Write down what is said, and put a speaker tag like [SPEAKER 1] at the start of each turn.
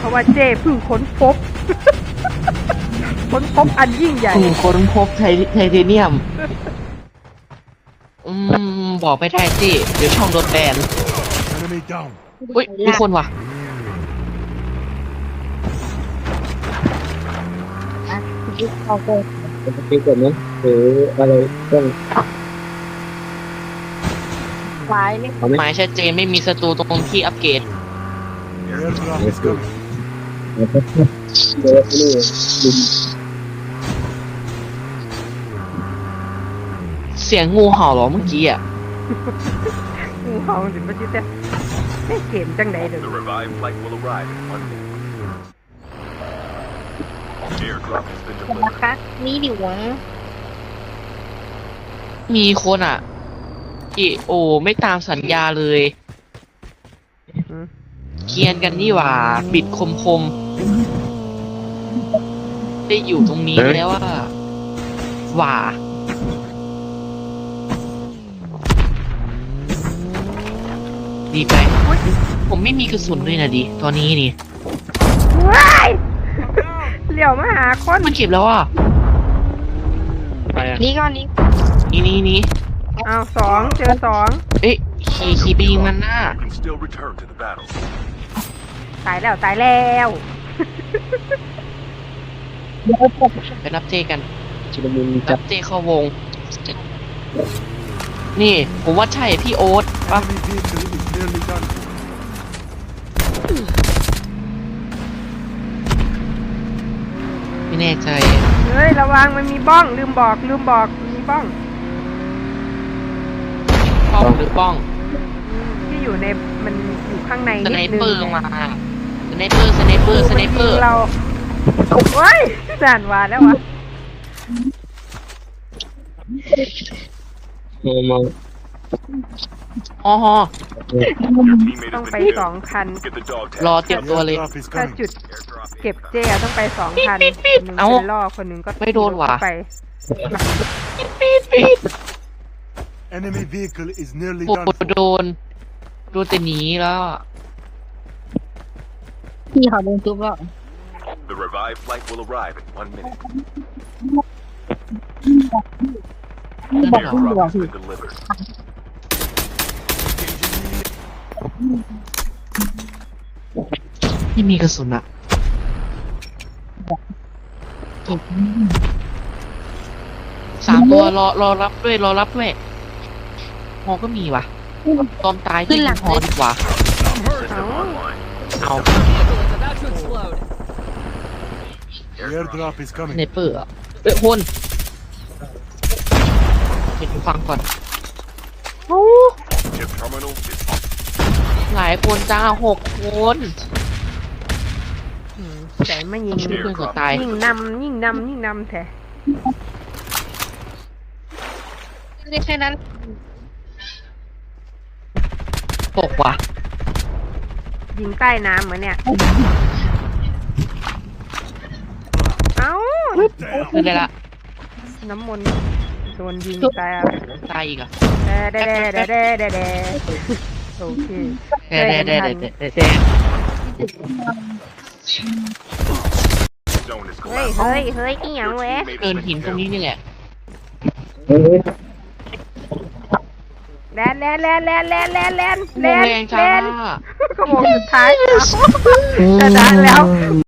[SPEAKER 1] เพราะว่าเจ้เพิ่งค้นพบ ค้นพบอันยิ่งใหญ่
[SPEAKER 2] ค้นพบไทเทเนียมบอกไม่ได้สิเดี๋ยวช่องโดนแบนอุ้ยมีคนว่ะ
[SPEAKER 3] เอาไปเป็นกดไหมหรืออะไรต้อง
[SPEAKER 4] ซ้ายเลย
[SPEAKER 2] หมายชัดเจนไม่มีศัตรูตรงที่อัปเกรดเสียงงูเห่าเหรอเมื่อกี้อ่ะ
[SPEAKER 1] งูเห่าถึงมาชิดแต่เกมจังไหนเดี๋ยว
[SPEAKER 4] นะคะนี่ดิวะ
[SPEAKER 2] มีคนอ่ะโอไม่ตามสัญญาเลยเคียนกันนี่หว่าบิดคมได้อยู่ตรงนี้แล้วว่าดีไปผมไม่มีกระสุนเลยนะดิตอนนี้นี่
[SPEAKER 1] ว้ายเหลี่ยวมาหาคน
[SPEAKER 2] มันเก็บแล้ว
[SPEAKER 4] นี่ก่อนนี้
[SPEAKER 2] นี่
[SPEAKER 1] เอา2เจอ2
[SPEAKER 2] เอ๊ะขี่ไปยิงมันหน้า
[SPEAKER 1] ตายแล้ว
[SPEAKER 2] ไปรับเจกัน
[SPEAKER 3] ชุลมุนจั
[SPEAKER 2] รั
[SPEAKER 3] บบ
[SPEAKER 2] เจเข้าวงนี่ผมว่าใช่พี่โอ๊ตปะไม่แน่ใจ
[SPEAKER 1] เฮ้ยระวังมันมีบ้องลืมบอกมีบ้อง
[SPEAKER 2] หรือป้อง
[SPEAKER 1] ที่อยู่ในมันอยู่ข้างใน
[SPEAKER 2] สไน
[SPEAKER 1] นิดนึง
[SPEAKER 2] เปอร์มาสไนเปอร์
[SPEAKER 1] เราโอ้ยสานวาแล้ววะ
[SPEAKER 3] มอง
[SPEAKER 2] อ๋อ
[SPEAKER 1] ต้องไป2 คัน
[SPEAKER 2] รอเตรียมตัวเลย
[SPEAKER 1] ถ้าจุดเก็บเจ้ต้องไป2 คันคนนึงเป็นล่อคนนึงก็
[SPEAKER 2] ไม่โดนว่ะ
[SPEAKER 1] ไป
[SPEAKER 5] Enemy vehicle is nearly
[SPEAKER 2] โดนแต่หนีแล้ว
[SPEAKER 4] พี่เขาโดนทุบแล้ว
[SPEAKER 5] The revived flight will arrive in 1 minute.
[SPEAKER 4] บอกพี่หัวพี่
[SPEAKER 5] Delivered.
[SPEAKER 2] ไม่มีกระสุนอะ3 ตัวรอรับด้วยฮอก็มีว่ะตอนตายที่ฮอดีกว่าเอา
[SPEAKER 5] Airdrop is
[SPEAKER 2] ส
[SPEAKER 5] coming.
[SPEAKER 2] ไนเปอร์คนเห็นฟังก่อน
[SPEAKER 5] Chip terminal is
[SPEAKER 2] หลายคนจ้า6 คน
[SPEAKER 1] แต่ไม่ยิง
[SPEAKER 2] เพื่อนก็ตาย
[SPEAKER 1] ยิ่งนำแท้
[SPEAKER 4] ไม่แค่นั้น
[SPEAKER 2] ตกว่ะ
[SPEAKER 1] ยิงใต้น้ำเหมือนเนี่ยเอ้า
[SPEAKER 2] คือได้ละ
[SPEAKER 1] น้ำมนต์โดนยิงตาย
[SPEAKER 2] อีกอ่ะ
[SPEAKER 1] เดโอเค
[SPEAKER 2] เด
[SPEAKER 1] เฮ้ยอีหยังแวะ
[SPEAKER 2] เกินหินตรงนี้นี่แหละ
[SPEAKER 1] แลน
[SPEAKER 2] แรงจ้า
[SPEAKER 1] ขโมยสุดท้ายชนะแล้ว